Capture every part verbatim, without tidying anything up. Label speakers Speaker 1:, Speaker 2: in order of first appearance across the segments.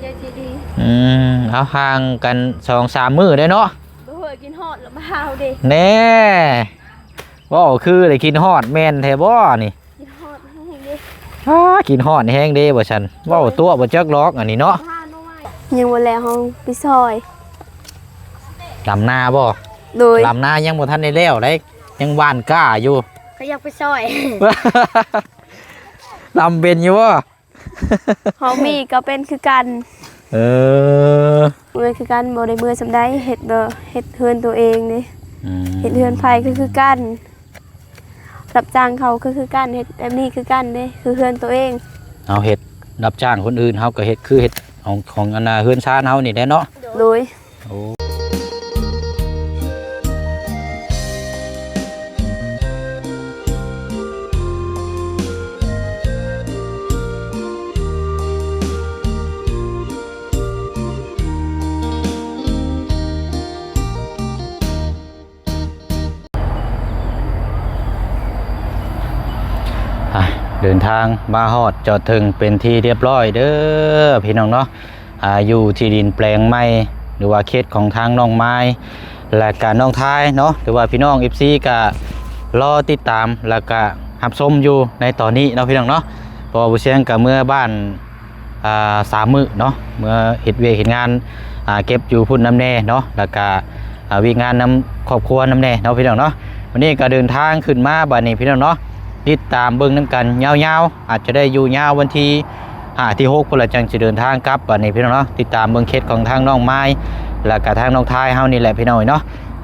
Speaker 1: จีดี
Speaker 2: อืมเอาห่างกันสองสามมื้อได้เนาะ
Speaker 1: บ่เคยกินฮอดแล้วมาหาวดิ
Speaker 2: แน่บ่คือได้กินฮอดแม่นแท้บ่นี่
Speaker 1: กินฮอดแห้งดิ
Speaker 2: อ้ากินฮอดแห้งเด้บ่ฉันเว้าตัวบ่จักล็อกอันนี้เนาะ
Speaker 1: ยังบ่แล้วเฮาไปซอย
Speaker 2: ลำนาบ่
Speaker 1: โดย
Speaker 2: ลำนายังบ่ทันได้แล้วได้ยังหว่านก้าอยู่
Speaker 1: ก็อยากไปซอย
Speaker 2: ลำเป็นอยู่บ่
Speaker 1: เฮามีก็เป็นคือกัน
Speaker 2: เออ
Speaker 1: เมื่อคือกันบ่ได้เมื่อสำใดเฮ็ดบ่เฮ็ดเฮือนตัวเองนี่เฮ็ดเฮือนไผก็คือกันรับจ้างเขาก็คือกันเฮ็ดแบบนี้คือกันเด้คือเฮือนตัวเอง
Speaker 2: เอาเฮ็ดรับจ้างคนอื่นเฮาก็เฮ็ดคือเฮ็ดของของอันน่ะเฮือนชานเฮานี่แหละเนาะ
Speaker 1: โดย
Speaker 2: โอ้เดินทางมาฮอดจอดถึงเป็นที่เรียบร้อยเด้อพี่น้องเนาะอ่าอยู่ที่ดินแปลงไม้หรือว่าเขตของทางน้องไม้และการน้องท้ายเนาะหรือว่าพี่น้อง เอฟ ซี ก็รอติดตามแล้วก็รับชมอยู่ในตอนนี้เนาะพี่น้องเนาะเพราะว่าผู้เชี่ยงกับเมื่อบ้านอ่าสามมื้อเนาะเมื่อเฮ็ดเวียกเฮ็ดงานอ่าเก็บอยู่พุ่นน้ำแน่เนาะแล้วก็อ่าวิ่งงานนำครอบครัวน้ำแน่เนาะพี่น้องเนาะวันนี้ก็เดินทางขึ้นมาบัดนี้พี่น้องเนาะติดตามเบิ่งน้ำกันยาวๆอาจจะได้อยู่ยาววันที่ห้าที่หกพฤศจิกายนจะเดินทางกลับบัดนี้พี่น้องเนาะติดตามเบิ่งเคสของทางน้องไม้และก็ทางน้องทายเฮานี่แหละพี่น้องเนาะ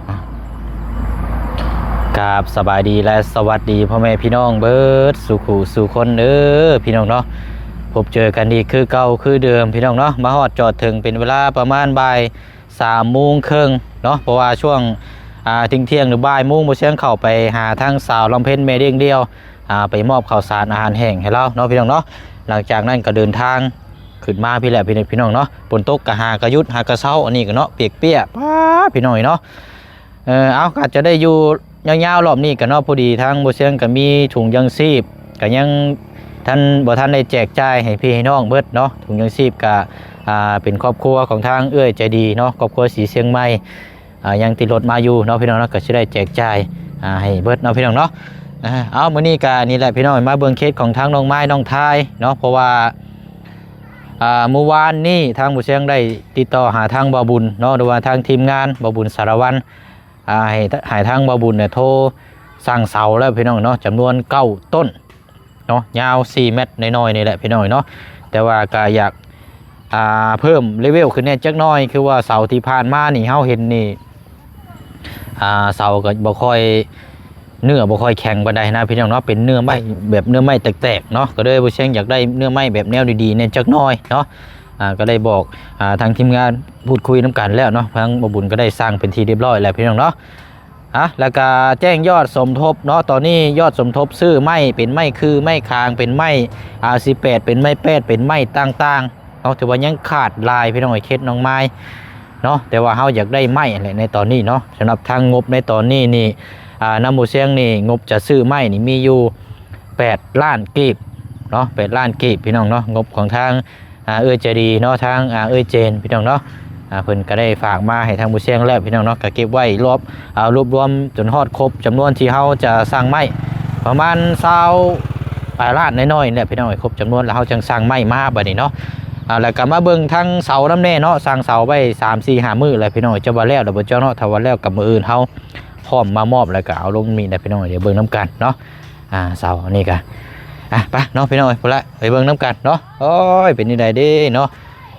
Speaker 2: กราบสบายดีและสวัสดีพ่อแม่พี่น้องเบิดสู่ขู่สู่คนเด้อพี่น้องเนาะพบเจอกันอีกคือเก่าคือเดิมพี่น้องเนาะมาฮอดจอดถึงเป็นเวลาประมาณบ่ายสามโมงครึ่งเนาะเพราะว่าช่วงอ่าทิ้งเที่ยงหรือบ่ายโมงบ่เชียงเข้าไปหาทางสาวลำเพ็ญแม่เด้งเดียวอ่าไปมอบข้าวสารอาหารแห้งให้เราเนาะพี่น้องเนาะหลังจากนั้นก็เดินทางขึ้นมาพี่แหละพี่พี่น้องเนาะฝนตกกะหากระยุดหากระเช้าอันนี้ก็เนาะเปียกเปียกป้าพี่น้องเนาะเออเอาอาจจะได้อยู่ยาวๆรอบนี้ก็เนาะพอดีทางบ่เชียงก็มีถุงยังชีพก็ยังท่านบ่ท่านได้แจกจ่ายให้พี่ให้น้องเบิดเนาะถุงยังชีพก็อ่าเป็นครอบครัวของทางเอื้อยใจดีเนาะครอบครัวสีเชียงใหม่อ่ายังติดรถมาอยู่เนาะพี่น้องเนาะก็สิได้แจกจ่ายอ่าให้เบิดเนาะพี่น้องเนาะเอามื้อนี้ก็นี่แหละพี่น้องมาเบิ่งเคสของทางน้องไม้น้องทายเนาะเพราะว่าอ่าเมื่อวานนี้ทางผู้เชียงได้ติดต่อหาทางบ่าวบุญเนาะหรือว่าทางทีมงานบ่าวบุญสารวัตรอ่าให้ให้ทางบ่าวบุญเนี่ยโทรสั่งเสาแล้วพี่น้องเนาะจำนวนเก้าต้นเนาะยาวสี่เมตรน้อยๆนี่แหละพี่น้องเนาะแต่ว่าก็อยากอ่าเพิ่มเลเวลขึ้นแน่จักหน่อยคือว่าเสาที่ผ่านมานี่เฮาเห็นนี่อ่าเสาก็บ่ค่อยเนื้อบ่ค่อยแข็งปานใดนะพี่น้องเนาะเป็นเนื้อไม้แบบเนื้อไม้แตกๆเนาะก็เลยบ่เชียงอยากได้เนื้อไม้แบบแนวดีๆเนี่ยจักหน่อยเนาะอ่าก็ได้บอกอ่าทางทีมงานพูดคุยน้ำกันแล้วเนาะทางบ่บุญก็ได้สร้างเป็นที่เรียบร้อยแล้วพี่น้องเนาะอ่ะแล้วก็แจ้งยอดสมทบเนาะตอนนี้ยอดสมทบซื้อไม้เป็นไม้คือไม้คางเป็นไม้ อาร์ สิบแปด เป็นไม้แปดเป็นไม้ต่างๆเนาะแต่ว่ายังขาดลายพี่น้องไอ้เคสน้องไม้เนาะแต่ว่าเฮาอยากได้ไม้อะไรในตอนนี้เนาะสำหรับทางงบในตอนนี้นี่อ่าน้ำหมูเชียงนี่งบจะซื้อไม้นี่มีอยู่แปดล้านกีบเนาะแปดล้านกีบพี่น้องเนาะงบของทางอ่าเอื้อใจดีเนาะทางอ่าเอื้อเจนพี่น้องเนาะอ่าเพิ่นก็ได้ฝากมาให้ทางหมูเชียงแล้วพี่น้องเนาะก็เก็บไว้รวบเอารวบรวมจนฮอดครบจำนวนที่เฮาจะสร้างไม้ประมาณเศร้าปลายล้านน้อยๆเนี่ยพี่น้องครบจำนวนแล้วเฮาจังสร้างไม้มาบัดนี้เนาะอ่าแล้วก็มาเบิ่งทั้งเสาน้ำแน่เนาะสร้างเสาไว้สาม สี่ ห้ามื้อแล้วพี่น้องจะว่าแล้วเดี๋ยวบ่เจ้าเนาะถ้าว่าแล้วกับมื้ออื่นเฮาพร้อมมามอบแล้วก็เอาลงมีได้พี่น้องเดี๋ยวเบิ่งน้ำกันเนาะอ่าเสาอันนี้ก็อ่ะไปเนาะพี่น้องพุ่นละไปเบิ่งน้ำกันเนาะโอ้ยเป็นนี่ได้เด้เนาะ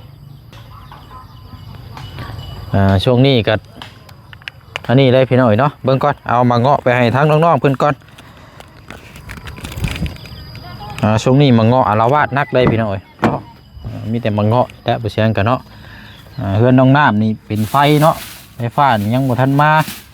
Speaker 2: อ่าช่วงนี้ก็อันนี้เลยพี่น้องเนาะเบิ่งก่อนเอามาเงาะไปให้ทั้งน้องๆเพิ่นก่อนอ่าช่วงนี้มาเงาะอาละวาดนักเลยพี่น้องเนาะมีแต่มาเงาะและบ่เชียงกันเนาะอ่าเฮือนน้องน้ำนี่เป็นไฟเนาะไฟฟ้านี่ยังบ่ทันมา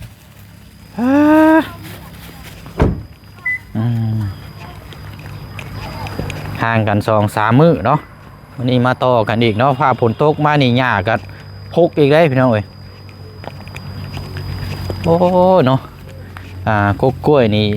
Speaker 2: ห่างกันสองสามมื้อเนาะวันนี้มาต่อกันอีกเนาะพาฝนตกมานี่หญ้าก็พกอีกได้พี่น้องเอ้ยโอ้เนาะอ่ากกล้วยนี่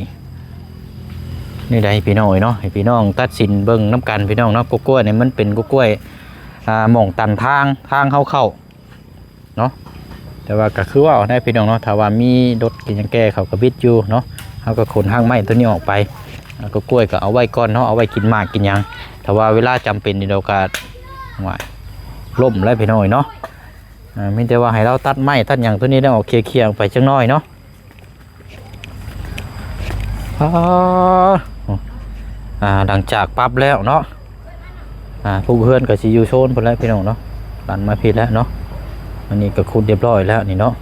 Speaker 2: นี่ได้พี่น้องเอ้ยเนาะให้พี่น้องตัดสินเบิ่งน้ำกันพี่น้องเนาะกกล้วยนี่มันเป็นกกล้วยอ่าหม่องตันทางทางเข้าเข้าเนาะแต่ว่าก็คือว่าได้พี่น้องเนาะถ้าว่ามีรถกินยังแก้เขาก็บิดอยู่เนาะเขาก็ขนห้างไม้ตัวนี้ออกไปแล้วก็กล้วยก็เอาไว้ก่อนเนาะเอาไว้กินหมากกินหยังแต่ว่าเวลาจำเป็นนี่เราก็ว่าล่มแล้วพี่น้อยเนาะอ่าไม่แต่ว่าให้เราตัดไม้ตัดหยังตัวนี้ได้ออกเคลียร์ๆออกไปจังน้อยเนาะอ่าหลังจากปั๊บแล้วเนาะอ่าผู้เพื่อนก็สิอยู่โซนพุ่นแล้วพี่น้องเนาะดันมาผิดแล้วเนาะอันนี้ก็คุดเรียบร้อยแล้วนี่เนาะ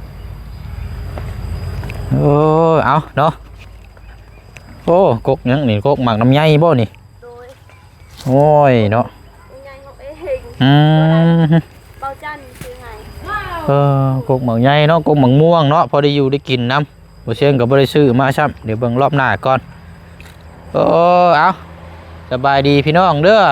Speaker 2: โอ้เอาเนาะโอ้กกยังนี่กกหมักน้ำใยบ่นี่โอ้ยเนาะอืม
Speaker 1: เบาจันคือไง
Speaker 2: เออกกหมักใยเนาะกกหมักม่วงเนาะพอได้อยู่ได้กินน้ำบ่เชียงก็บ่ได้ซื้อมาซ้ำเดี๋ยวเบิ่งรอบหน้าก่อนโอ้เอาสบายดีพี่น้องเด้อ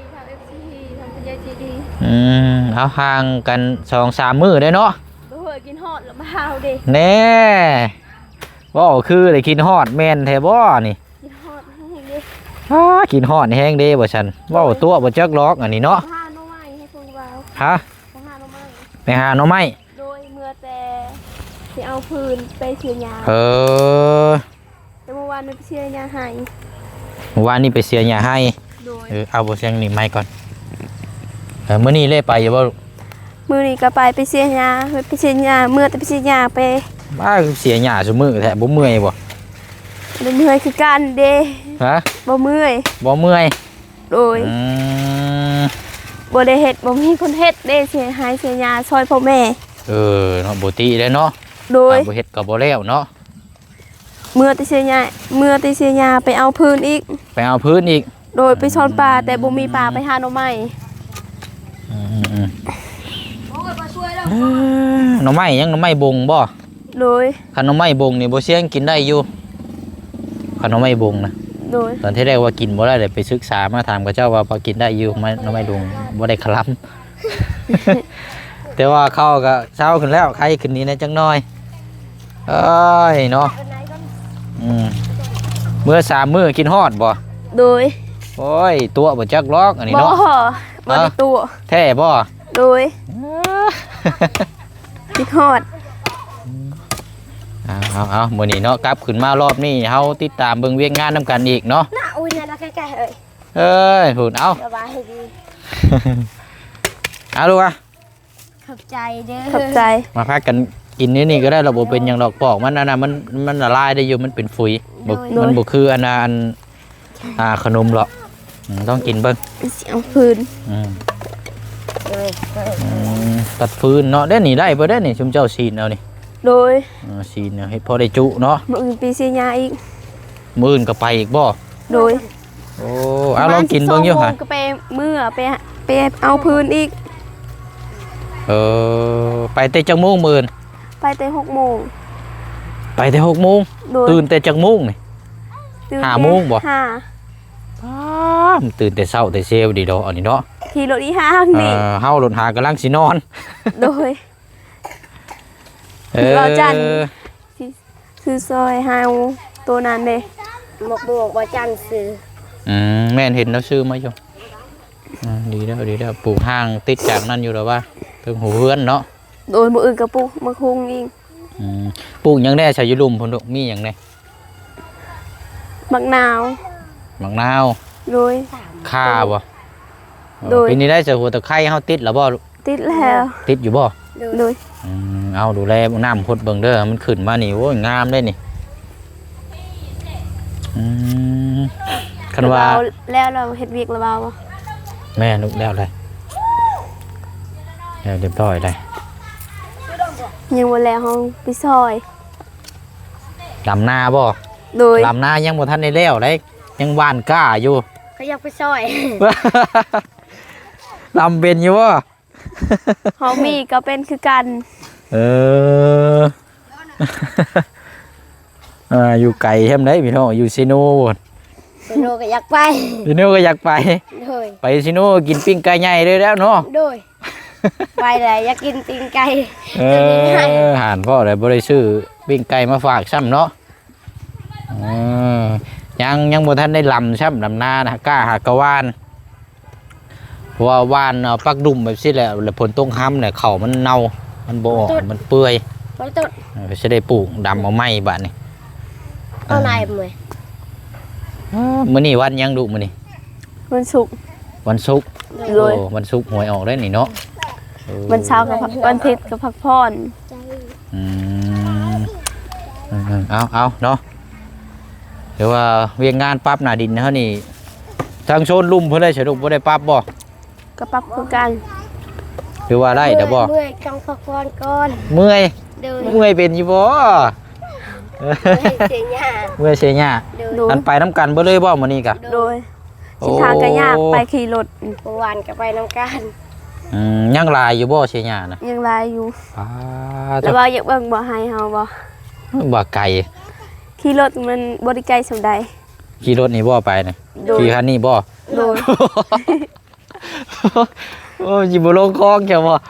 Speaker 2: อืมเอาห่างกันสองสามมื้อได้เนาะ
Speaker 1: บ่เคยกินฮอดหรือเปล่าเด้
Speaker 2: แน่บ่คือได้กินฮอดแม่นแท้บ่นี่
Speaker 1: กินฮอดแห้งเด้
Speaker 2: อ้ากินฮอดแห้งเด้บ่ซั่นเว้าตัวบ่จักล็อกอันนี้เนาะ
Speaker 1: หาหน่อไม้ให้พวกเรา
Speaker 2: ฮะ
Speaker 1: ไปหาหน่อไม้
Speaker 2: ไปหาหน่อไม้
Speaker 1: โดยเมื่อแต่สิเอาพื้นไปเสียยา
Speaker 2: เออ
Speaker 1: แต่เมื่อวานไปเสียยาให้
Speaker 2: เมื่อวานนี้ไปเสียหญ้าให้
Speaker 1: โดย
Speaker 2: เออเอาบ่เสียงนี่ไม้ก่อนเออมื้อนี้เลยไปอยู่บ่ลูก
Speaker 1: มื้อนี้ก็ไปไปเสียยาไปเสียยาเมื่อแต่ไปเสียยาไป
Speaker 2: บ้าเสียหญ้าซุมื้อแท้บ่เมื่อยบ่
Speaker 1: บ่เมื่อยคือกันเด้
Speaker 2: ฮะ
Speaker 1: บ่เมื่อย
Speaker 2: บ่เมื่อย
Speaker 1: โดย
Speaker 2: อืม
Speaker 1: บ่ได้เฮ็ดบ่มีคนเฮ็ดเด้เสียหายเสียยาซอยพ่อแม่
Speaker 2: เออเนาะบ่ติได้เนาะ
Speaker 1: โดย
Speaker 2: ถ้าบ่เฮ็ดก็บ่แล้วเนาะ
Speaker 1: เมื่อแต่เสียยาเมื่อแต่เสียยาไปเอาพื้นอีก
Speaker 2: ไปเอาพื้นอีก
Speaker 1: โดยไปชอนปลาแต่บ่มีปลาไปหาหน่อไม้
Speaker 2: อืมๆเออหน่อไม้ยังหน่อไม้บงบ่
Speaker 1: โดย
Speaker 2: คันหน่อไม้บงนี่บ่เสียงกินได้อยู่คันหน่อไม้บงนะ
Speaker 1: โดย
Speaker 2: ตอนที่แรกว่ากินบ่ได้เลยไปศึกษามาถามกับเจ้าว่าพอกินได้อยู่ไม่หน่อไม้บงบ่ได้คลำ แต่ว่าเข้าก็เช้าขึ้นแล้วใครขึ้นนี้นะจังน้อยเอ้ยเนาะอืมมื้อสามมื้อกินฮอดบ่
Speaker 1: โดย
Speaker 2: โอ้ยตัวบ่จักล็อกอันนี้
Speaker 1: บ่
Speaker 2: เนาะ
Speaker 1: บ่ได้ตัว
Speaker 2: แท้บ่
Speaker 1: โดยคิดฮอด
Speaker 2: เอาเอาเอามื้อนี้เนาะกลับขึ้นมารอบนี้เฮาติดตามเบิ่งเวียกงานนํกันอีกเนาะ
Speaker 1: น่าอุ้ยน่ารักใกล้ๆเอ้ย
Speaker 2: เอ้ยพูดเอา
Speaker 1: สบายดี
Speaker 2: เอาลูกอ่ะ
Speaker 1: ขอบใจเด้อขอบใจ
Speaker 2: มาพักกันกินนี่นี่ก็ได้ระบบเป็นอย่างดอกปอกมันอันน่ะมันมันละลายได้อยู่มันเป็นฝุ่ยบ่มันบ่คืออันน่ะอันอ่าขนมหรอกอืมต้องกินเบิ่ง
Speaker 1: เสียงพื้น
Speaker 2: อืมอืมตัดฟืนเนาะได้นี่ได้บ่ได้นี่ชุมเจ้าซีนเอานี่
Speaker 1: โดย
Speaker 2: เออซีนเอาให้พอได้จุเนาะ
Speaker 1: มื้ออื่นปีเสียยาอีก
Speaker 2: มื้ออื่นก็ไปอีกบ่
Speaker 1: โดย
Speaker 2: โอ้เอาลองกินเบิ่งอยู่
Speaker 1: ประมา
Speaker 2: หะ
Speaker 1: ณสิบสองโมงก็ไปมื้อไปไปเอาพื้นอีก
Speaker 2: เออไปแต่จักโมงมื้ออื่น
Speaker 1: ไปแต่หกโมง
Speaker 2: ไปแต่หกโมง
Speaker 1: โดย
Speaker 2: ตื่นแต่จักโมงนี่
Speaker 1: ตื่น
Speaker 2: ห้าโมงบ่
Speaker 1: ห้า
Speaker 2: อ้ามตื่นแต่เช้าแต่เช้าดีดอกอันนี้เนาะ
Speaker 1: ขี่รถอีห้าง
Speaker 2: เอ
Speaker 1: นี่
Speaker 2: อเฮารถหากำลังสินอน
Speaker 1: โดย
Speaker 2: เออ
Speaker 1: รอจันทร์ คือซอยเฮาตัวนั้นเด้
Speaker 3: หมกบวกว่าจันซื้อ
Speaker 2: อืมแม่นเห็นแล้วซื้อมาอยู่อ่าดีแล้วดีแล้วปลูกห้างติดจากนั่นอยู่แล้วว่าถึงหูเพื่อนเนาะ
Speaker 1: โดยมื้ออื่นก็ปลูกมะคุงอีก
Speaker 2: อืมปลูกหยังได้ชายยุลุมพุ่นลูกมีหยังได้
Speaker 1: มะนาว
Speaker 2: มะนาว
Speaker 1: โดย
Speaker 2: ข่าบ่
Speaker 1: โดย
Speaker 2: ปีนี้ได้เสือหัวตะไคร้เฮาติดแล้วบ่ลูก
Speaker 1: ติดแล้ว
Speaker 2: ติดอยู่บ่
Speaker 1: โดย
Speaker 2: อืมเอาดูแลน้ำพดเบิ่งเด้อมันขึ้นมานี่โอ้ยงามได้นี่อืมคันว่า
Speaker 1: เรแล้วเราเฮ็ดเวียกระเบาบ่
Speaker 2: แม่นุกแล้วเลยแล้วเรียบร้อยเลย
Speaker 1: ยังบ่แล้วเฮาไปซอย
Speaker 2: ลำนาบ่
Speaker 1: โดย
Speaker 2: ลำนายังบ่ทันได้แล้วเลยยังหว่านกล้าอยู่
Speaker 3: เขาอยากไปซอย
Speaker 2: ลำเป็นอยู่บ่
Speaker 1: เฮามีก็เป็นคือกัน
Speaker 2: เออ อ่าอยู่ไกลแฮมได้พี่น้องอยู่ซิโนบ่
Speaker 3: ไปโนก็อยากไป
Speaker 2: ซิโนก็อยากไป
Speaker 3: โดย
Speaker 2: ไปซิโนกินปิ้งไก่ใหญ่เลยแล้วเนาะ
Speaker 3: โดยไปเลยอยากกินตีนไก่
Speaker 2: เออหานพ่อเลยบ่ได้ซื้อปิ้งไก่มาฝากซ้ำเนาะเออยังยังบ่ทันได้ลำซ้ำลำนานะกล้าหากะวานราะว่าว่านเอาปักดุ่มแบบนี้แหละแล้วผลต้องห้ำเนี่ยเข่ามันเน่ามันบ่ออกมันเปื่อย
Speaker 3: มันต้น
Speaker 2: เออจะได้ปลูกดำเอาไม้บาดนี่
Speaker 3: เอานายมวย
Speaker 2: มื้อนี้วันยังดุมื้อนี้
Speaker 1: วันศุกร์
Speaker 2: วันศุกร์
Speaker 1: โดย
Speaker 2: โอ้วันศุกร์หวยออกได้นี่เนาะเออ
Speaker 1: วันเช้ากับพักวันอาทิตย์กับพักผ่อน
Speaker 2: อืมอืมเอาเอาเนาะเดี๋ยวว่าเวียงงานปั๊บหน้าดินเฮานี่ทางโซนลุ่มเพิ่นได้สรุปบ่ได้ปั๊บบ่
Speaker 1: ก็ปรับคือกัน
Speaker 2: หรือว่าได้เดี๋ยวบ่
Speaker 3: เมื่อยกังพักผ่อนก่อน
Speaker 2: เมื่อย
Speaker 3: เดิน
Speaker 2: เมื่อยเป็นอยู่บ่
Speaker 3: ให้เสียหน้า
Speaker 2: เมื่อยเสียหญ้า
Speaker 3: เดิน
Speaker 1: โดย
Speaker 2: อันไปน้ำกันเบ่เลยบ่มื้อนี้กะ
Speaker 1: โดยเสินทางก็ยากไปขี่รถ
Speaker 3: เมื่อวานก็ไปน้ำกัน
Speaker 2: อืมยังหลายอยู่บ่เสียหญ้าน่ะ
Speaker 1: ยังลายอยู่
Speaker 2: ป้า
Speaker 1: แล้วว่าอยากเบิ่งบ่ให้เฮาบ่
Speaker 2: บ่ไกล
Speaker 1: ขี่รถมันบ่ได้ไกลสำใด
Speaker 2: ขี่รถนี่บ่ไปนี่
Speaker 1: โดย
Speaker 2: ขี่คันนี้บ่
Speaker 1: โดย
Speaker 2: โอ้ยบ่ลงคลองแค่บ่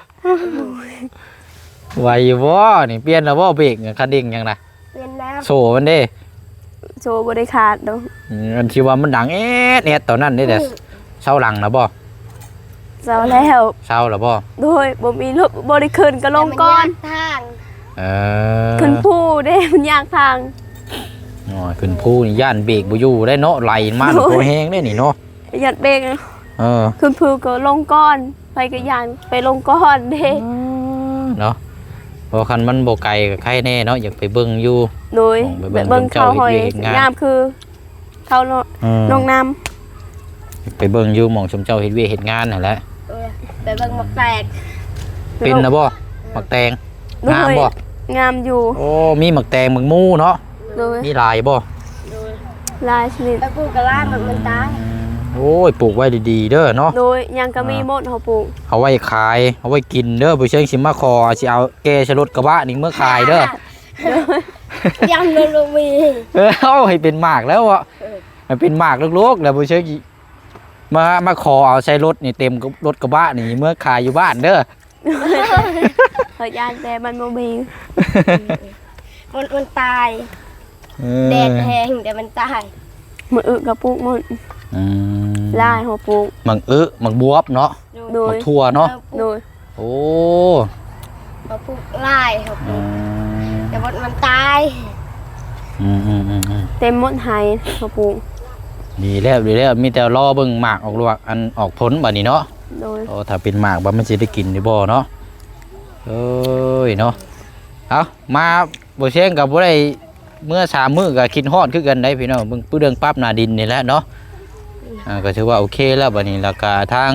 Speaker 2: ไหวอยู่บ่นี่เปลี่ยนแล้วบ่เบรกคันเร่งยังน่ะ
Speaker 3: เป็นแล้ว
Speaker 2: โซ่มันเด้
Speaker 1: โซบ่ได้ขาดดอก
Speaker 2: อืมอันที่ว่ามันดังเอ๊ะเนี่ยตอนนั้นนี่แต่เช้าหลังนะบ่
Speaker 1: เจ้าแล้ว
Speaker 2: เช้าแล้วบ่
Speaker 1: โดยบ่มีรถบ่ได้ขึ้นก็ลงก่อน
Speaker 3: ทาง
Speaker 2: เออ
Speaker 1: ขึ้นผู้เด้มันยากทาง
Speaker 2: อ๋อขึ้นภูนี่ย่านเบรกบ่อยู่ได้เนาะไหลมา
Speaker 1: โอ้ย
Speaker 2: โคแฮงได้นี่เนาะ
Speaker 1: ยัดเบรก
Speaker 2: เออ
Speaker 1: ขึ้นผู้ก็ลงก่อนไปก็ยานไปลงก่อนเด้
Speaker 2: เนาะเพราะคันมันบ่ไกลก็ใครแน่เนาะอยากไปเบิ่งอยู่
Speaker 1: โดย
Speaker 2: ไป
Speaker 1: แบ
Speaker 2: เบิ่
Speaker 1: บ
Speaker 2: ง
Speaker 1: เบิ่งเขาหอย
Speaker 2: เจ้าเฮ็ดเวียกเฮ็ดงาน
Speaker 1: ยามคือ เขาลง
Speaker 2: อืม
Speaker 1: ลงน้
Speaker 2: อยากไปเบิ่งอยู่หม่องชมเจ้าเฮ็ดเวยกเฮ็ดงานนั่นแหละ
Speaker 3: เออไปเบิ่งหมักแตก
Speaker 1: ำ
Speaker 2: เป็นนะบ่หมักแตง
Speaker 1: โดย
Speaker 2: งามบ่
Speaker 1: งามอยู่
Speaker 2: โอ้มีหมักแตงหมักมูเนาะ
Speaker 1: โดย
Speaker 2: มีหลายบ่
Speaker 3: โดย
Speaker 1: ลายชนิด
Speaker 3: ไปปลูกกระลามันมันตาย
Speaker 2: โอ้ยปลูกไว้ดีๆเด้อเนาะ
Speaker 1: โดยยังก็มีหมดเขาปลูก
Speaker 2: เอาไว้ขายเอาไว้กินเด้อบ่เชิงสิมาคอสิเอาแกชะรถกระบะนี่เมื่อขายเด้อ
Speaker 3: ยำเลยลูกมี
Speaker 2: เออเอาให้เป็นหมากแล้วอ่ะให้เป็นหมากลูกๆแล้วบ่เชิงสิมามาขอเอาใช้รถนี่เต็มกับรถกระบะนี่เมื่อขายอยู่บ้านเด้อ
Speaker 1: เขายานแต่มันบ่มี
Speaker 3: มันมันตาย
Speaker 2: เออ
Speaker 3: แดดแห้งเดี๋ยวมันตาย
Speaker 1: มืออึกับปลูกหมด
Speaker 2: อืม
Speaker 1: ลายเขาปลูก
Speaker 2: หมักอึหมักบวบเนาะ
Speaker 1: โด
Speaker 2: หมั
Speaker 1: ย
Speaker 2: กทั่วเนาะ
Speaker 1: โดย
Speaker 2: โอ้
Speaker 3: มาปลูกไล่เขาป
Speaker 2: อื
Speaker 3: ลูก
Speaker 2: ม
Speaker 3: แต่มันมันตาย
Speaker 2: อืมอืมอืมอืม
Speaker 1: เต็มหมดไหเขาปลูก
Speaker 2: ดีแล้วดีแล้วมีแต่รอเบิ่งหมากออกลวกอันออกผลบัดนี้เนาะ
Speaker 1: โดย
Speaker 2: โอ้ถ้าเป็นหมากบ่มันสิได้กินได้บ่เนาะเอ้ยเนาะเอามาบ่เชียงกับบ่ได้เมื่อสามมื้อก็คิดฮอดคือกันได้พี่น้องเบิ่งปื้อเรื่องปรั๊บหน้าดินนี่แหละเนาะอ่าก็ถือว่าโอเคแล้วบัดนี้แล้วก็ทาง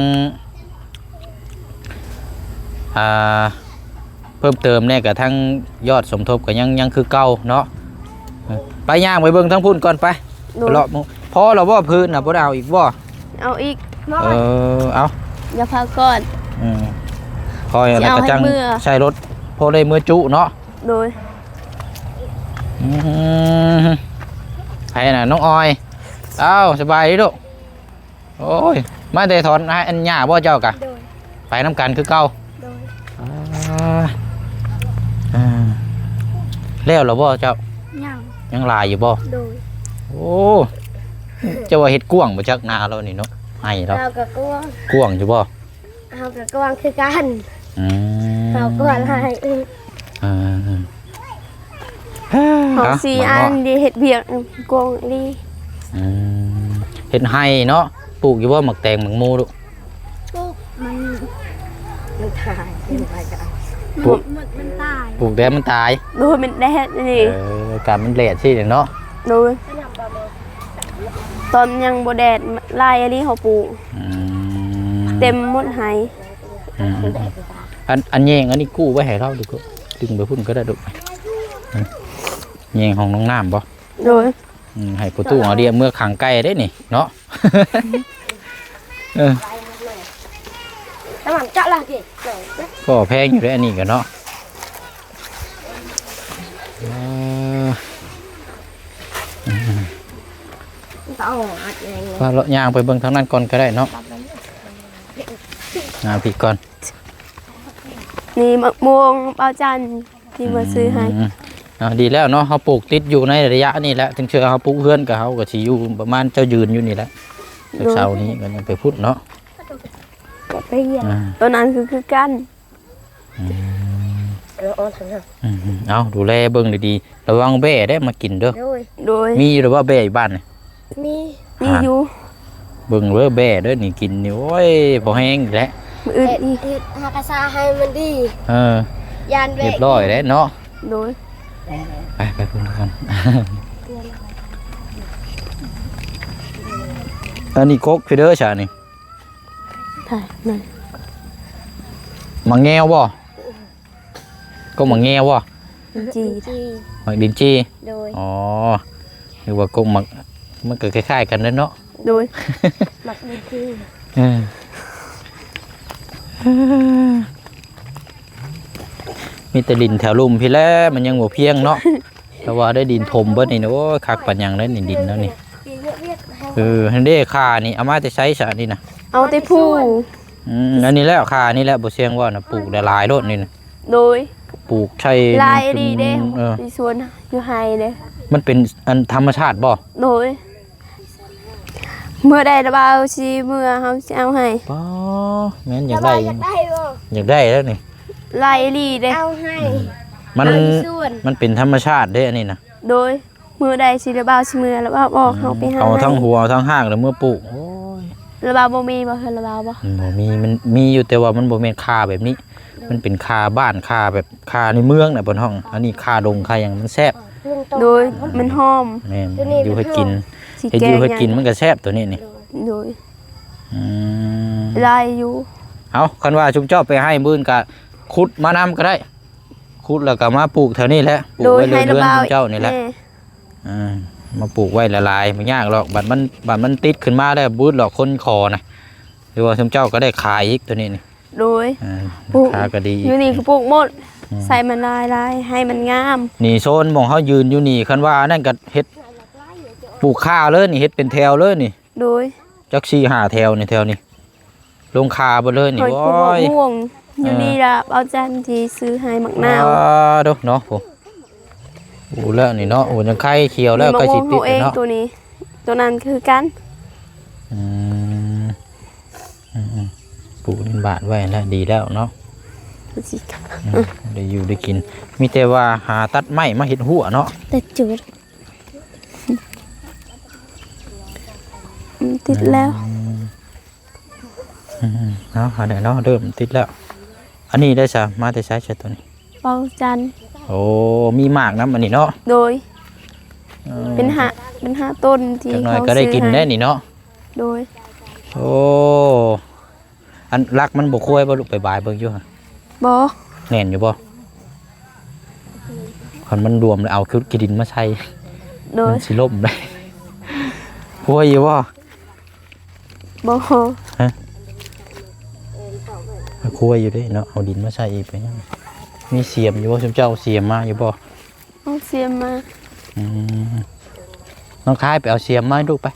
Speaker 2: อ่าเพิ่มเติมเนี่ยก็ทั้งยอดสมทบก็ยังยังคือเก่าเนาะเออไปย่างไปเบิ่งทั้งพุ่นก่อนไป
Speaker 1: โด
Speaker 2: ไป
Speaker 1: ย
Speaker 2: เลาะหมู่พอแล้วบ่พื้นน่ะบ่ได้เอาอีกบ่
Speaker 1: เอาอีก
Speaker 2: เออเอา
Speaker 1: อย่าพาก่อน
Speaker 2: อืมคอยอะไร
Speaker 1: สิเอา
Speaker 2: ก็
Speaker 1: ให้
Speaker 2: จัง
Speaker 1: เมื่อ
Speaker 2: ใช้รถพอได้มือจุเนาะ
Speaker 1: โดย
Speaker 2: อืมใครน่ะน้องออยเอ้าสบายดีลูกโอ้ยมาแต่ถอนให้อันหญ้าบ่เจ้ากะ
Speaker 3: โดย
Speaker 2: ไปน้ำกันคือเก่า
Speaker 3: โดย
Speaker 2: อ่าอ่าแล้วเหรอบ่เจ้า
Speaker 3: ย่าง
Speaker 2: ยังหลายอยู่บ่
Speaker 3: โดย
Speaker 2: โอ้เจ้าว่าเฮ็ดกว้างบ่จักนาเรานี่เนาะให้เรา
Speaker 3: เรากับกวาง
Speaker 2: กว้างอยู่บ่
Speaker 3: เรากับกวางคือกัน
Speaker 2: อืม
Speaker 3: เรากวางให้
Speaker 2: อ่า
Speaker 1: ของสีอันดีเห็ดเบียกกวงดี
Speaker 2: อืมเห็ดไห้เนาะปลูกอยู่ว่าหมักแตงหมักมูลูก
Speaker 3: มันมันตายมันตายกัน
Speaker 2: ปลูก
Speaker 3: มันมันตาย
Speaker 2: ปลูกแต่มันตาย
Speaker 1: โดยมันแดดนี่
Speaker 2: เออการมันแดดสิเนาะ
Speaker 1: โดยตอนยังบ่แดดลายอันนี้เขาปลูก
Speaker 2: อื
Speaker 1: เต็มหมดไห
Speaker 2: อืมอันอันแยงอันนี้กู้ไว้ให้เราดูก็ดึงไปพุ่นก็ได้ดูอืมแยงของน้องน้ำบ่
Speaker 1: โดย
Speaker 2: อืมให้ประตูเอาเดียเมื่อขังไก่ได้นี่เนาะ เออ
Speaker 3: น้ำมันเจาะละกี่หน่อยนะ
Speaker 2: ก็แพงอยู่ได้อันนี้กันเนาะเออ
Speaker 3: ต้องอัดยังไง
Speaker 2: ว่าเลาะยางไปเบิ่งทางนั้นก่อนก็ได้เนาะงานผิดก่อน
Speaker 1: นี่มะม่วงเปาจันที่มาซื้อให้
Speaker 2: มอ่าดีแล้วเนาะเขาปลูกติดอยู่ในระยะนี่แหละถึงเชื่อเขาปลูกเพื่อนกับเขาก็สิอยู่ประมาณเจ้ายืนอยู่นี่แหละเช้านี้ก็ยังไปพูดเนาะ
Speaker 3: เรียน
Speaker 2: อ่า
Speaker 1: ตัวนั้นคือคือกัน
Speaker 3: เราเอาทางนั้น
Speaker 2: อืมเอาดูแลเบิ่งดีๆระวังแบ่ได้มากินเด้อ
Speaker 3: โดย
Speaker 1: โดย
Speaker 2: มีหรือว่าแบ่อยู่บ้านนี่
Speaker 3: มี
Speaker 1: มีอยู่
Speaker 2: เบิ่งเด้อแบ่เด้อนี่กินนี่โอ้ยบ่แห้งอีกแล้ว
Speaker 1: มืออื่น
Speaker 3: เฮ็ด
Speaker 1: อีก
Speaker 3: เฮ็ดหากระซาให้มันดี
Speaker 2: เออย
Speaker 3: านแบ
Speaker 2: เรีย
Speaker 3: ก
Speaker 2: บร้อยแล้วเนาะ
Speaker 1: โดย
Speaker 2: ไปไปพุ่นกันอันนี้กกคือเด้อชานี่
Speaker 1: ถ่ายนั่น
Speaker 2: มังแงวบ่ก็มังแงวบ่
Speaker 1: จี
Speaker 3: จี
Speaker 2: มักดินจี
Speaker 3: โดย
Speaker 2: อ๋อหรือว่ากกมักมันก็คล้ายๆกันเด้อเนาะ
Speaker 1: โดย
Speaker 3: หมักดีจี
Speaker 2: เออมีแต่ดินแถวลุ่มพี่แล้วมันยังบ่เพียงเนาะ แต่ว่าได้ดินถมเบิดนี่นะโอ้ยคักปัญญังได้นี่ดินแล้วนี่
Speaker 3: ปีเรียกเรียกให้
Speaker 2: เออฮันเด้คานี่เอามาจะใช้ซะนี่นะ
Speaker 1: เอาแต่ผู้
Speaker 2: อืมอันนี้แล้วคานี่แหละบ่เสียงว่านะปลูกได้หลายโลดนี่นะ
Speaker 1: โดย
Speaker 2: ปลูกใช้
Speaker 1: ลายดีเด้
Speaker 2: เออ
Speaker 1: ในสวนอยู่ไฮเด้
Speaker 2: มันเป็นอันธรรมชาติบ่
Speaker 1: โดย เมื่อใดระบาวชีเมื่อเฮาสิเอาให้
Speaker 2: ป๋อแม่นอยาก
Speaker 3: สบา
Speaker 2: ได้
Speaker 3: ยอยากได้บ่
Speaker 2: อยากได้แล้วนี่
Speaker 1: ลายดีเด้
Speaker 3: เอาให้
Speaker 2: มัน
Speaker 3: เอาอีส่วน
Speaker 2: มันเป็นธรรมชาติเด้อันนี้นะ
Speaker 1: โดยมือใดสิระบาวสิเมื่อระบาวบอกเฮาไปหา
Speaker 2: เอาทั้ง
Speaker 1: ให้
Speaker 2: หัวเอาทั้งหางแล้วเมื่อปลูกโอ้ย
Speaker 1: ระบาวบ่มีบ่เฮ็ดระบาวบ่
Speaker 2: บ่มีมันมีอยู่แต่ว่ามันบ่แม่นคาแบบนี้ มันเป็นคาบ้านคาแบบคาในเมืองน่ะบนห้อง อันนี้คาดงคาหยังมันแซ่บ
Speaker 3: ลุงโต
Speaker 1: โดยมันหอม
Speaker 2: แม่น
Speaker 3: ตัวนี้
Speaker 2: อยู่ให้กิน
Speaker 1: สิ
Speaker 2: เฮ็ด
Speaker 1: แก
Speaker 2: อยู่ให้
Speaker 1: ง
Speaker 2: กินมันก็แซ่บตัวนี้นี่
Speaker 1: โดย
Speaker 2: อืม
Speaker 1: ลายอยู่
Speaker 2: เอาคันว่าชุมเจ้าไปให้มื้นก็ขุดมานำก็ได้ขุดแล้วก็มาปลูกแถวนี้แหละปลูก
Speaker 1: โดย
Speaker 2: ไว้เรื
Speaker 1: ให้
Speaker 2: อน
Speaker 1: ระ
Speaker 2: เรือน
Speaker 1: บาว
Speaker 2: ชุมเจ้านี่แหละ
Speaker 1: ม่
Speaker 2: อ่ามาปลูกไว้ละลายไม่ยากหรอกบัดมันบัดมันติดขึ้นมาได้บูดหรอกคนคอนะหรือว่าชุมเจ้าก็ได้ขายอีกตัวนี้นี่
Speaker 1: โดย
Speaker 2: อ่า
Speaker 1: ปลูก
Speaker 2: ราคาก็ดีอีก
Speaker 1: อยู่นี่ก็ปลูกหมด ใส่มันลายลายให้มันงาม
Speaker 2: นี่โซนหมองเขายืนอยู่นี่คันว่านั่นก็เฮ็ดปลูกข้าวเลยนี่เฮ็ดเป็นแถวเลยนี่
Speaker 1: โดย
Speaker 2: จักสี่ห้าแถวนี่แถวนี้ลงคาบ่เลยนี่
Speaker 1: หอย
Speaker 2: โอ้
Speaker 1: คูบ
Speaker 2: ย
Speaker 1: ม่วงอยู่
Speaker 2: เออ
Speaker 1: นี่ละเอาจันที่ซื้อให้มักนาว
Speaker 2: อ่เด้อเนาะผมโอ้แล้วนี่เนาะโอ้ยังไข่เขียวแล้ว
Speaker 1: มีมะ
Speaker 2: ก็
Speaker 1: ม่
Speaker 2: สิ
Speaker 1: วง
Speaker 2: ติ
Speaker 1: ตั
Speaker 2: ด
Speaker 1: วเอง
Speaker 2: เนาะ
Speaker 1: ตัวนี้ ตัวนั้นคือกัน
Speaker 2: อืมอืมอืมปลูกเป็นบาทไว้แล้วดีแล้วเนาะ
Speaker 1: สิกัน
Speaker 2: อืมได้อยู่ได้กิน มีแต่ว่าหาตัดไม้มาเห็ดหัวเนาะ
Speaker 1: แต่จืดอืมติดแล้ว
Speaker 2: อืมเนาะหาได้เนาะเริ่มติดแล้ว อันนี้ได้ซะมาแต่ใช้ใช้ตัวนี้
Speaker 1: เปาจัน
Speaker 2: โอ้มีหมากน้ำอันนี้เนาะ
Speaker 1: โดย
Speaker 2: ออ
Speaker 1: เป็นหาเป็นหาต้นที่
Speaker 2: จักหน่อย
Speaker 1: เขา
Speaker 2: ก็ได้กิน
Speaker 1: ซื้อ
Speaker 2: ได้
Speaker 1: ให้
Speaker 2: นี่เนาะ
Speaker 1: โดย
Speaker 2: โอ้อันรักมันบ่คุ้ยบ่ลูกไปบายเบิ่งอยู่ฮะ
Speaker 1: บอ
Speaker 2: แน่นอยู่บ่คันมันรวมแล้วเอาคิดกินดินมาใช้
Speaker 1: โดย
Speaker 2: มันสิล่มได้ คุ้ยอยู่บ่
Speaker 1: บอ
Speaker 2: คุ้ยอยู่เด้เนาะเอาดินมาใช้อีกไปยังมีเสียมอยู่บ่ซุมเจ้าเสียมมาอยู่บ่
Speaker 1: เอาเสียมมา
Speaker 2: อืมน้องคายไปเอาเสียมมาให้ลูกไป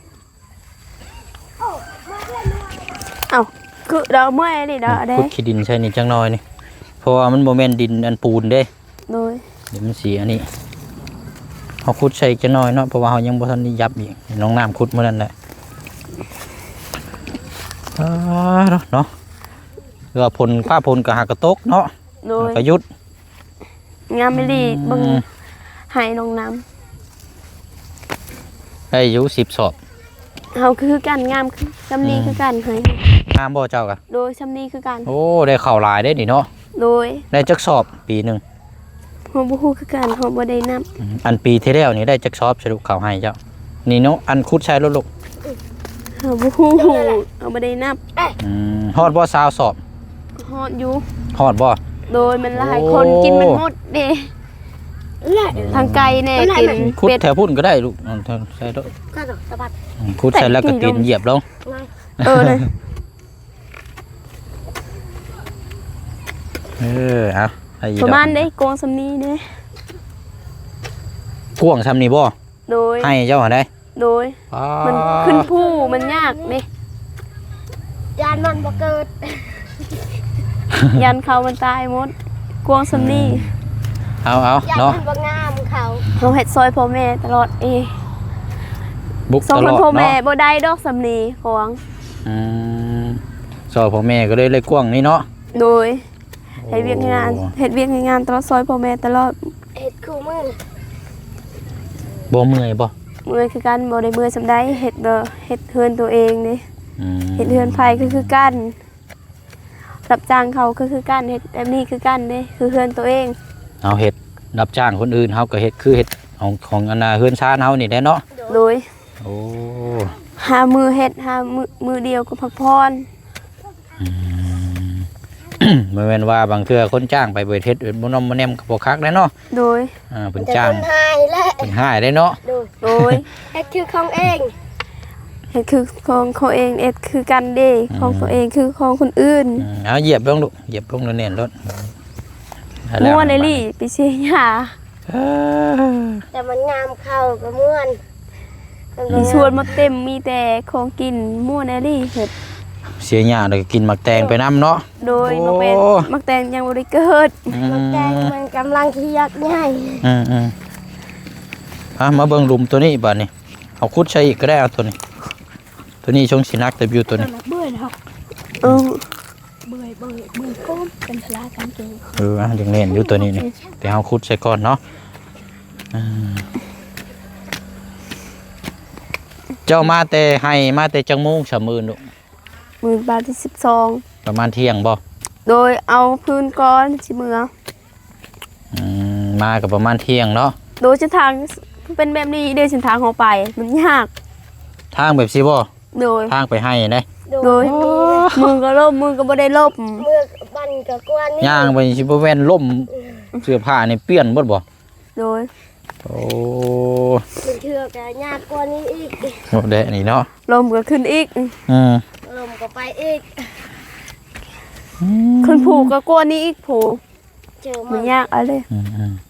Speaker 1: เอาคือดอกไม้นี่ดอกได้
Speaker 2: ขุดขี้ดินใช่นี่จังน้อยนี่เพราะว่ามันบ่แม่นดินอันปูนเด้
Speaker 1: โดย
Speaker 2: เดี๋ยวมันเสียนี่เขาขุดใส่จังน้อยเนาะเพราะว่าเขายังบ่ทันได้ยับอีกน้องน้ำขุดมื้อนั้นแหละอ่าเนาะเนาะเรือพลป้าพลก็หากระตกเนาะ
Speaker 1: โดย
Speaker 2: ก็หยุด
Speaker 1: งามไม่ดีเบึง
Speaker 2: อืม
Speaker 1: ให้น้องน้
Speaker 2: ได้อยู่สิบสอบ
Speaker 1: ำเฮาคือกันงามคือซำนี้คือกันให้
Speaker 2: งามบ่เจ้ากะ
Speaker 1: โดยซำนี้คือกัน
Speaker 2: โอ้ได้ข้าวหลายได้นี่เนาะ
Speaker 1: โดย
Speaker 2: ได้จักสอบปีหนึง
Speaker 1: เฮาบ่ฮู้คือกันเฮาบ่ได้นับ
Speaker 2: อืมอันปีที่แล้วนี่ได้จักสอบสรุปข้าวให้เจ้านี่เนาะอันขุดใช้ลูก
Speaker 1: เฮาบ่ฮู้เฮาบ่ได้นับ
Speaker 2: ๆอืมฮอดบ่ซาวสอบ
Speaker 1: ฮอดอยู่
Speaker 2: ฮอดบ่
Speaker 1: โดยมันหลาย
Speaker 2: โอ้
Speaker 1: คนกินมันหมดเด้
Speaker 3: แหละ
Speaker 1: ทางไกลแน่กิน
Speaker 2: ขุด
Speaker 1: เป็ด
Speaker 2: แถวพุ่นก็ได้ลูกเอาเถอะใส่ลูก
Speaker 3: ก็ต้องสะบัด
Speaker 2: อืมขุดใส่แล้วก็ตีนเหยียบลง
Speaker 3: ง่าย
Speaker 1: เออเลย
Speaker 2: เออเอาไอ้อี
Speaker 1: ประมาณ
Speaker 2: ดอก
Speaker 1: ได้โกงซำนี้เด้
Speaker 2: พ่วงซ้ำนี่บ่
Speaker 1: โดย
Speaker 2: ให้เจ้าหาได้
Speaker 1: โดย มันขึ้นผู้มันยากเด้
Speaker 3: ยานมันบ่เกิด
Speaker 1: ยันเขามันตายหมดกวงซำนี้
Speaker 2: เอาเอา
Speaker 3: ยาน
Speaker 2: เนาะ
Speaker 3: มันบ่งามเขา
Speaker 1: เฮาเฮ็ดซอยพ่อแม่ตลอดเอง
Speaker 2: บุก
Speaker 1: สอง
Speaker 2: ต
Speaker 1: ค
Speaker 2: ล
Speaker 1: น
Speaker 2: อด
Speaker 1: พ่อแม่
Speaker 2: เนาะ
Speaker 1: บ่ได้ดอกซำนี้ของ
Speaker 2: อืมซอยพ่อแม่ก็เลยเลยกว้างนี่เนาะ
Speaker 1: โดยเฮ็ดเวียกให้งานเฮ็ดเวียกให้งานตลอดซอยพ่อแม่ตลอด
Speaker 3: เห็ดคู่มือ
Speaker 2: บ่เมื่อยบ่
Speaker 1: เมื่อยคือกันบ่ได้เมื่อยสำใดเฮ็ดบ่เฮ็ดเฮือนตัวเองเด้
Speaker 2: อืม
Speaker 1: เฮ็ดเฮือนไผก็คือกันรับจ้างเขาก็คือกันเฮ็ดแบบนี้คือกันเด้คือเฮือนตัวเอง
Speaker 2: เอาเฮ็ดรับจ้างคนอื่นเฮาก็เฮ็ดคือเฮ็ดของของอันน่ะเฮือนชานเฮานี่แหละเนาะ
Speaker 1: โดย
Speaker 2: โอ้
Speaker 1: หามือเฮ็ดหามือมือเดียวก็พักผ่อน
Speaker 2: บ่แม่นว่าบางเทื่อคนจ้างไปเบิดเฮ็ดบ่นอมบ่แนมก็บ่คักได้เนาะ
Speaker 1: โดย
Speaker 2: อ่าเพิ่น
Speaker 3: แต่
Speaker 2: จ้าง
Speaker 3: คนหายและ
Speaker 2: เพิ่นหายได้เนาะ
Speaker 3: ดู
Speaker 1: โดย
Speaker 3: เห็ดคือของเอง
Speaker 1: เฮ็ดคือของเขาเองเอ็ดคือกันเด้ของตัวเองคือของคนอื่น
Speaker 2: อืมเอาเหยียบลงลูกเหยียบลงแน่นๆรถ
Speaker 1: ม่วนเลยลี่ไปเสียหญ้า
Speaker 2: เออ
Speaker 3: แต่มันงามเข้าก็ม่วนมันก็
Speaker 1: มีชวนมาเต็มมีแต่ของกินม่วนเลยลี่เฮ็ด
Speaker 2: เสียหญ้าแล้วก็กินหมักแตงไปนํเนาะ
Speaker 1: โดยมาเป็น
Speaker 2: โอ้
Speaker 1: มักแตงยังบ่ได้เกิด
Speaker 2: อื
Speaker 3: มันแดง
Speaker 2: ม
Speaker 3: มันกำลังที่ยักใหญ่
Speaker 2: อืมอืมอ่ะมาเบิ่งหลุมตัวนี้บัดนี้เอาขุดใส่อีกก็ได้เอาตัวนี้ ตัวนี้ชงสินักแต่บิวตัวนี้
Speaker 3: เบื่อแล้ว
Speaker 1: เออ
Speaker 3: เบื่อเบื่อเบื่อก้มเป็นพลากันเก่ง
Speaker 2: เอออ่ะยังเล่นอยู่ตัวนี้นี่แต่เอาขุดใส่ก่อนเนาะอืมเจ้ามาแต่ให้มาแต่จังมุงสามหมื่นลูก
Speaker 1: มื้อบาทที่สิบสอง
Speaker 2: ประมาณเที่ยงบ่
Speaker 1: โดยเอาพื้นก้อนสิเมือ
Speaker 2: อืมมากับประมาณเที่ยงเนาะ
Speaker 1: โดยเส้นทางเป็นแบบนี้เด้เส้นทางของไปมันยาก
Speaker 2: ทางแบบสิบ่
Speaker 1: โดย
Speaker 2: ทางไปให้ได้
Speaker 1: โดยมือก็ล่มมือก็บ่ได้ล่ม
Speaker 3: เมื่อบันกับกวนนี่
Speaker 2: ย่างไปสิบ่แว่นล่มเสื้อผ้านี่เปลี่ยนเบิดบ่
Speaker 1: โดย
Speaker 2: โอ้
Speaker 3: มันเถื่อกับยากกว่านี้อีก
Speaker 2: โหเดะนี่เนาะ
Speaker 1: ลมก็ขึ้นอีก
Speaker 2: อืม
Speaker 3: ลมก็ไปอีก
Speaker 1: ขึ้นผูกก็กลัวนี้อีกผูก
Speaker 3: เจอ
Speaker 1: มั
Speaker 3: มัน น
Speaker 1: ยากเอะไร
Speaker 2: อืมอืม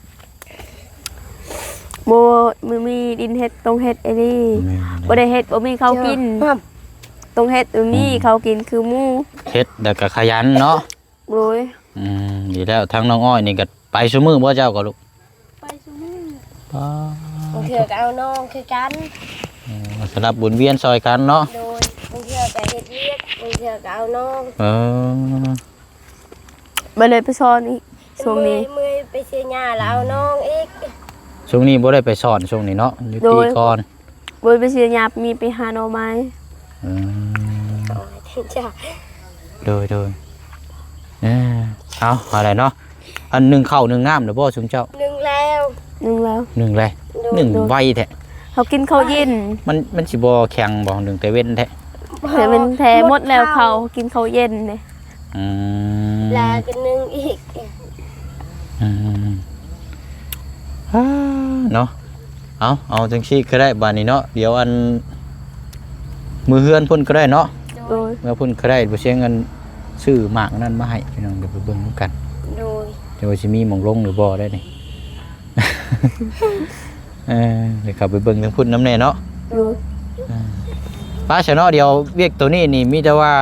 Speaker 1: โบมือมีดินเฮ็ดตรงเฮ็ดไอ้นี่
Speaker 2: แม่น
Speaker 1: บ่ได้เฮ็ดบ่มีเขาวกิน
Speaker 3: ครับ
Speaker 1: ตรงเฮ็ดตรงนี้เขากินคือหมู
Speaker 2: เฮ็ดแล้วก็ขยันเนาะ
Speaker 1: โดย
Speaker 2: อืมดีแล้วทั้งน้องอ้อยนี่ก็ไปซุมื้อบ่เจ้าก็ลูก
Speaker 3: ไปซุมือ
Speaker 2: อ๋อบ
Speaker 3: างเถื่อก็เอาน้องคือกัน
Speaker 2: สำหรับบุญเวียนซอยกันเนาะ
Speaker 3: โดยบางเถื่อก็เฮ็ดเวียกบางเถื่อก็เอาน้อง
Speaker 2: เออ
Speaker 1: บ่เลยไปสอนอีกช่วงนี้
Speaker 3: เมื่อยไปเสียหญ้าแล้วเอาน้องอีก
Speaker 2: ช่วงนี้บ่ได้ไปสอนช่วงนี้เนาะอยู่ปีก่อน
Speaker 1: บ่ไปเสียหยาบมีไปหาหน่อไม้
Speaker 2: อืม
Speaker 3: อ๋อจ้ะ
Speaker 2: โดยโดยเออเอาอะไรเนาะอันหนึ่งเข้าวหนึ่งน้ำเดี๋ยวบ่ชุมเจ้า
Speaker 3: หนึ่งแล้ว
Speaker 1: นึงแล้ว
Speaker 2: หนึ่งเลยหนึ่งไวแท้
Speaker 1: เขากินข้าวเย็น
Speaker 2: มันมันสิบ่แข็งบ่หนึ่งแต่เว้นแท้
Speaker 1: แต่มันแท้หมดแล้วเขากินข้าวเย็นนี่
Speaker 2: อืม
Speaker 3: แล้วก็หนึ่งอีก
Speaker 2: อืมอ่าเนาะเอาเอาจังซี่ก็ได้บาดนี้เนาะเดี๋ยวอันมือเฮือนพุ่นก็ได้เนาะ
Speaker 1: โดย
Speaker 2: เมื่อพุ่นก็ได้บ่เสียเงินซื้อหมากนั่นมาให้พี่น้องเดี๋ยวไปเบิ่งนำกัน
Speaker 3: โดย
Speaker 2: เดี๋ยวว่าสิมีหม่องลงหรือบ่ได้นี่ เออเดี๋ยวเข้าไปเบิ่งทางพุ่นน้ำแน่เนาะ
Speaker 1: โดย
Speaker 2: ป้าเสยเนาะเดี๋ยวเวียกตัวนี้นี่มีแต่ว่า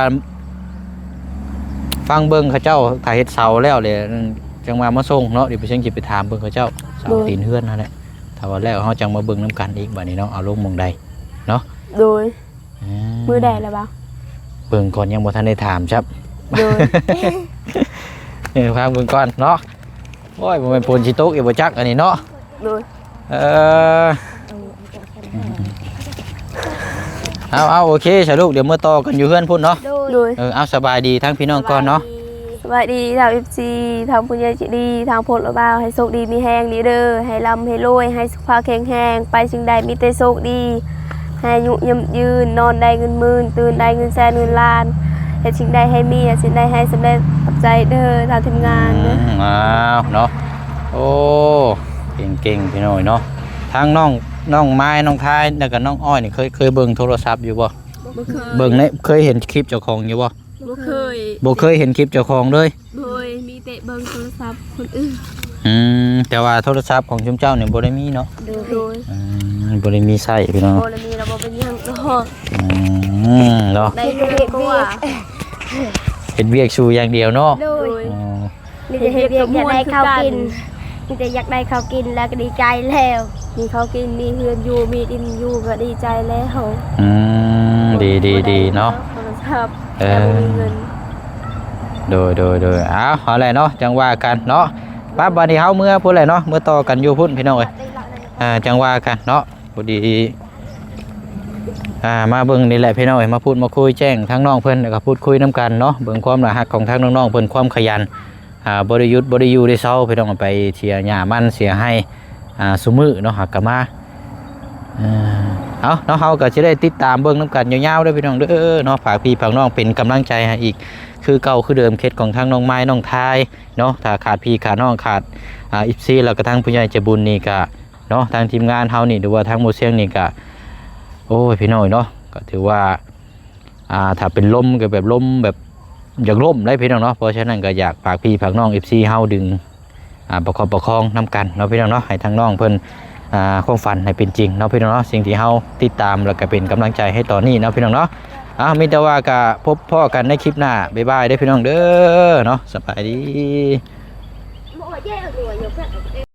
Speaker 2: ฟังเบิ่งเขาเจ้าถ่ายเฮ็ดเสาแล้วเลยจังมามาส่งเนาะเดี๋ยวไปเชิงสิไปถามเบิ่งเขาเจ้าเสาตีนเฮือนนั่นแหละถ้าว่าแล้วเฮาจังมาเบิ่งนํกันอีกบัดนี้เนาะเอาลงหม่องใดเนาะ
Speaker 1: โดย
Speaker 2: อื
Speaker 1: มือใดแล้วบ่
Speaker 2: เบิ่งก่อนยังบ่ทันได้ถามครับ
Speaker 1: โดย
Speaker 2: เออฟังเบิ่งก่อนเนาะโอ้ยบ่แม่นฝนสิตกอีกบ่จักอันนี้เนาะ
Speaker 1: โดย
Speaker 2: เออเอาเอาโอเคสาลูกเดี๋ยวเมื่อต่อกันอยู่เฮือนพุ่นเนาะ
Speaker 3: โดย
Speaker 1: โดย
Speaker 2: เออเอาสบายดีทั้งพี่น้องก่อนเนาะ
Speaker 1: สวัสดีทาง เอฟ ซี ทางปุญญาจิดีทางพลบ่าวให้โชคดีมีแฮงดีเด้อให้ร่ำให้รวยให้สุขภาพแข็งแรงไปสิ่งใดมีแต่โชคดีให้อายุยืนยืนนอนได้เงินหมื่นตื่นได้เงินแสนเงินล้านเฮ็ดสิ่งใดให้มีสิ่งใดให้สำเร็จขอบใจเด้อทางทีมงาน
Speaker 2: อื
Speaker 1: เด้อ
Speaker 2: มอ้าวเนาะโอ้เก่งๆพี่น้อยเนาะทั้งน้องน้องไม้น้องท้ายแล้วก็น้องอ้อยนี่เคยเคยเบิ่งโทรศัพท์อยู่บ่
Speaker 1: บ่เคย
Speaker 2: เบิ่งในเคยเห็นคลิปเจ้าของอยู่บ่
Speaker 1: บ่เคย
Speaker 2: บ่เคยเห็นคลิปเจ้าของเลย
Speaker 1: โดยมีแต่เบิ่งโทรศัพท์คนอื่น
Speaker 2: อืมแต่ว่าโทรศัพท์ของชุมเจ้าเนี่ยบ่ได้มีเนาะ
Speaker 3: โดย
Speaker 1: โดย
Speaker 2: อืมบ่ได้มีใช้พี่น้อง
Speaker 1: โอ้แล้วมีระบบเป็นหยังเนาะ
Speaker 2: อืมเนาะ
Speaker 1: ได้เฮ็ดก็ว่า
Speaker 2: เฮ็ดเวียกสู่อย่างเดียวเนาะ
Speaker 3: โด
Speaker 1: โด
Speaker 3: ย
Speaker 1: ย
Speaker 2: อ๋อ
Speaker 3: มีแต่เฮ็ดเวียกอยากได้ข้าวกินมีแต่อยากได้ข้าวกินแล้วก็ดีใจแล้ว
Speaker 1: มีเขาวกินมีเฮือนอยู่มีดินอยู่ก็ดีใจแล้ว
Speaker 2: อืมดีๆๆเนาะ
Speaker 1: โทรศัพท์
Speaker 2: เอ
Speaker 1: แต่
Speaker 2: อ
Speaker 1: บ่มีเงิน
Speaker 2: โดยโดยโดยเอาเอาแหละเนาะจังว่ากันเนาะป้าบัดนี้เฮาเมื่อพุ่นแหละเนาะเมื่อต่อกันอยู่พุ่นพี่น้องเอ้ยอ่าจังว่ากันเนาะพอดีอ่ามาเบิ่งนี่แหละพี่น้องเอ้ยมาพูดมาคุยแจ้งทั้งน้องเพิ่นแล้วก็พูดคุยนํกันเนาะเบิ่งความน่าฮักของทั้งน้องๆเพิ่นความขยันอ่าบ่ได้หยุดบ่ได้อยู่ได้เซาพี่น้องไปเที่ยหญ้ามันเสียให้อ่าซุมื้อเนาะหักก็มาอ่าเอาเนาะเฮาก็สิได้ติดตามเบิ่งนํกันยาวๆเด้อพี่น้องเด้อเนาะฝากพี่ฝากน้องเป็นกำลังใจให้อีกคือเก่าคือเดิมเคสของทั้งน้องไม้น้องทายเนาะถ้าขาดพี่ขาดน้องขาดอ่าอีฟซีแล้วก็ทั้งผู้ใหญ่ใจบุญนี่ก็เนาะทางทีมงานเฮานี่หรือว่าทางหมู่เสียงนี่ก็โอ้ยพี่น้อยเนาะก็ถือว่าอ่าถ้าเป็นลมก็แบบลมแบบอยากล่มได้พี่น้องเนาะเพราะฉะนั้นก็อยากฝากพี่ฝากน้อง เอฟ ซี เฮาดึงอ่าประคองประคองนํกันเนาะพี่น้องเนาะให้ทางน้องเพิ่นอ่าความฝันให้เป็นจริงเนาะพี่น้องเนาะสิ่งที่เฮาติดตามแล้วก็เป็นกำลังใจให้ต่อนี้เนาะพี่น้องเนาะอ่ามีแต่ว่าก็พบพ่อกันในคลิปหน้าบ๊ายบายเด้อพี่น้องเด้อเนาะสบายดี